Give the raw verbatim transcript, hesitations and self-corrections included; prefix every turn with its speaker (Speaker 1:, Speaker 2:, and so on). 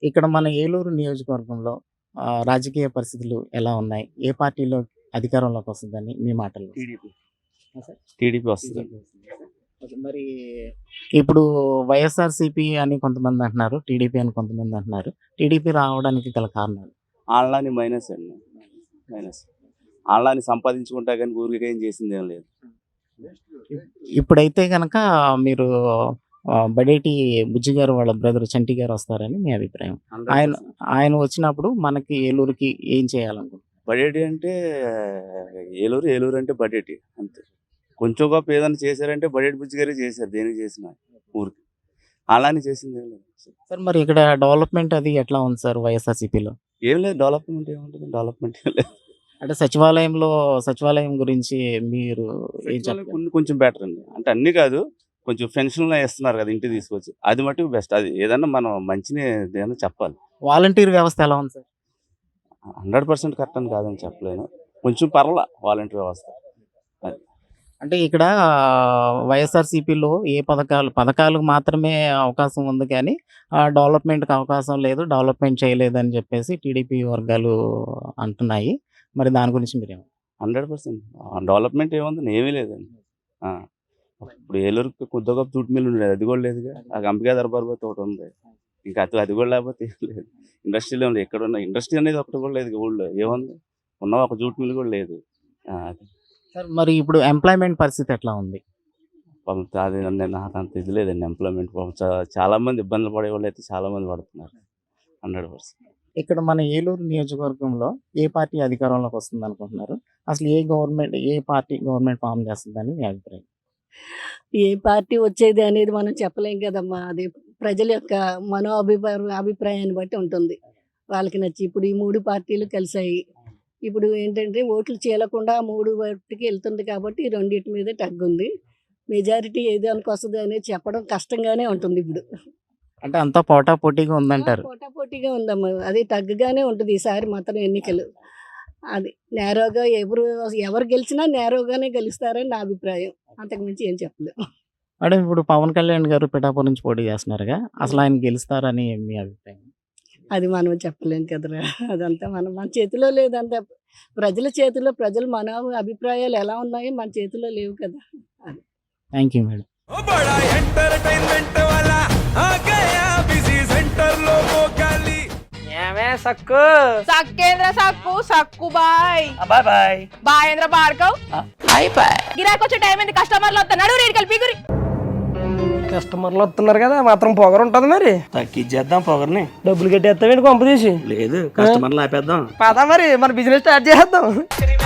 Speaker 1: ఇక్కడ మన ఏలూరు నియోజకవర్గంలో ఆహ్, రాజకీయ పరిస్థితులు ఎలా ఉన్నాయి? ఏ పార్టీలో అధికారంలోకి వస్తుందని మీ మాటల్లో?
Speaker 2: టీడీపీ
Speaker 1: ఆ! సార్.
Speaker 2: టీడీపీ వస్తుంది.
Speaker 1: బీజేపీ వస్తుందా సార్? ఓకే. మరి ఇప్పుడు వైఎస్ఆర్‌సీపీ అని కొంతమంది అంటున్నారు. టీడీపీ అని కొంతమంది అంటున్నారు. టీడీపీ రావడానికి గల కారణాలు?
Speaker 2: ఆళ్ళని మైనస్ అండి. మైనస్. ఆళ్ళని సంపాదించుకుంటా గానీ ఊరికే ఏం చేసిందేం లేదు.
Speaker 1: ఇప్పుడైతే గనక మీరు ఆహ్, బడేటి బుజ్జి గారు వాళ్ళ బ్రదర్ చంటి గారు వస్తారని మీ అభిప్రాయం. ఆయన
Speaker 2: హండ్రెడ్ పర్సెంట్.
Speaker 1: ఆయన వచ్చినప్పుడు మనకి ఏలూరుకి ఏం చేయాలనుకుంటున్నారు?
Speaker 2: బడేటి అంటే ఏలూరు, ఏలూరు అంటే బడేటి అంతే. కొంచెం గొప్ప ఏదైనా చేశారంటే బడేటి బుజ్జి గారే చేశారు. దేనికి చేసినా ఊరికి. ఆళ్ళని చేసిందేం లేదు.
Speaker 1: సార్ మరి ఇక్కడ డెవలప్‌మెంట్ అది ఎట్లా ఉంది సార్ వైఎస్ఆర్‌సీపీలో?
Speaker 2: ఏం లేదు, డెవలప్‌మెంట్ ఏముంటది? డెవలప్‌మెంట్ ఏం లేదు.
Speaker 1: అంటే సచివాలయంలో సచివాలయం గురించి మీరు ఏం
Speaker 2: సచివాలయం
Speaker 1: చెప్తారు?
Speaker 2: కొన్ని కొంచెం బెటర్ అండి. అంటే అన్నీ కాదు. కొంచెం పెన్షన్‌లు ఇస్తున్నారు కదా ఇంటికి తీసుకొచ్చి. అది మట్టుకు బెస్ట్. అది ఏదన్నా మనం మంచిని ఏదైనా చెప్పాలి.
Speaker 1: వాలంటీర్ వ్యవస్థ ఎలా ఉంది సార్?
Speaker 2: హండ్రెడ్ పర్సెంట్ కరెక్ట్ అని కాదని చెప్పలేను. కొంచెం పర్వాలా వాలంటీర్ వ్యవస్థ. అది.
Speaker 1: అంటే ఇక్కడ వైఎస్ఆర్‌సీపీలో ఏ పథకాలు పథకాలకు మాత్రమే అవకాశం ఉంది కానీ ఆహ్, డెవలప్‌మెంట్‌కి అవకాశం లేదు. డెవలప్‌మెంట్ చేయలేదని చెప్పేసి టీడీపీ వర్గాలు అంటున్నాయి. మరి దాని గురించి మీరేమంటారు?
Speaker 2: హండ్రెడ్ పర్సెంట్ డెవలప్మెంట్ ఏముంది? ఏమీ లేదండి. ఆ! ఇప్పుడు ఏలూరుకి కొద్దిగా గొప్ప జూట్ మిల్ ఉండేది. అది కూడా లేదుగా. ఆ అంబికా దర్బార్ పోతే ఒకటి ఉంది. ఇంకా అది అది కూడా లేకపోతే ఏం లేదు. ఇండస్ట్రీలో ఉంది. ఎక్కడున్న ఇండస్ట్రీ అనేది ఒకటి కూడా లేదు ఊళ్ళో. ఏముంది? ఉన్న ఒక జూట్ మిల్ కూడా లేదు. ఆ! అది.
Speaker 1: సార్ మరి ఇప్పుడు ఎంప్లాయ్‌మెంట్ పరిస్థితి ఎట్లా ఉంది?
Speaker 2: పాపం అది నేను నాకు అంత ఇది లేదండి ఎంప్లాయ్‌మెంట్. పాపం చా చాలా మంది ఇబ్బందులు పడేవాళ్ళు అయితే చాలా మంది పడుతున్నారు. Hundred percent.
Speaker 1: ఇక్కడ మన ఏలూరు నియోజకవర్గంలో ఏ పార్టీ అధికారంలోకి వస్తుందనుకుంటున్నారు? అసలు ఏ గవర్నమెంట్ ఏ పార్టీ గవర్నమెంట్ ఫార్మ్ చేస్తుందని మీ అభిప్రాయం?
Speaker 3: ఏ పార్టీ వచ్చేది అనేది మనం చెప్పలేం కదమ్మా. అది ప్రజల యొక్క మనో అభిప్రాయం అభిప్రాయాన్ని బట్టి ఉంటుంది. వాళ్ళకి నచ్చి ఇప్పుడు ఈ మూడు పార్టీలు కలిసాయి. ఇప్పుడు ఏంటంటే ఓట్లు చీలకుండా మూడు వాటికి వెళ్తుంది కాబట్టి ఈ రెండింటి మీద తగ్గుంది. మెజారిటీ ఏ దానికి వస్తుంది అనేది చెప్పడం కష్టంగానే ఉంటుంది ఇప్పుడు.
Speaker 1: అంటే అంతా పోటాపోటీగా ఉందంటారు.
Speaker 3: పోటాపోటీగా ఉందమ్మా. అది తగ్గగానే ఉంటుంది ఈసారి మాత్రం ఎన్నికలు. అది నేరోగా ఎవరు ఎవరు గెలిచినా నేరోగానే గెలుస్తారని నా అభిప్రాయం. అంతకుమించి ఏం చెప్పలేం.
Speaker 1: మేడం ఇప్పుడు పవన్ కళ్యాణ్ గారు పిఠాపురం నుంచి పోటీ చేస్తున్నారుగా. అసలు ఆయన గెలుస్తారని మీ అభిప్రాయం?
Speaker 3: అది మనం చెప్పలేం కదరా. అదంతా మనం మన చేతిలో లేదంతా. ప్రజల చేతిలో ప్రజలు మన అభిప్రాయాలు ఎలా ఉన్నాయో మన చేతిలో లేవు కదా. అది.
Speaker 1: Thank you madam.
Speaker 4: ओ बड़ा एंटरटेनमेंट वाला आ गया बिजी सेंटर लोगों का ली
Speaker 5: ఏమే సక్కు
Speaker 6: సక్కేంద్ర సక్కు సక్కు బాయ్
Speaker 5: బాయ్ బాయ్
Speaker 6: బాయేంద్ర బార్కవ్
Speaker 5: బాయ్ బాయ్
Speaker 6: గిరాకొచ్చే టైం ఏంది? కస్టమర్లు వస్తున్నాడు రేడికి వెళ్ళి పిగురి.
Speaker 5: కస్టమర్లు వస్తున్నారు కదా మాత్రం పొగరు ఉంటుంది మరి
Speaker 7: తగ్గించేద్దాం పొగర్ని.
Speaker 5: డబ్బులు కట్టేస్తావేంటి కొంప తీసి
Speaker 7: లేదు, కస్టమర్లు ఆపేద్దాం.
Speaker 5: పదా మరి మన బిజినెస్ స్టార్ట్ చేద్దాం.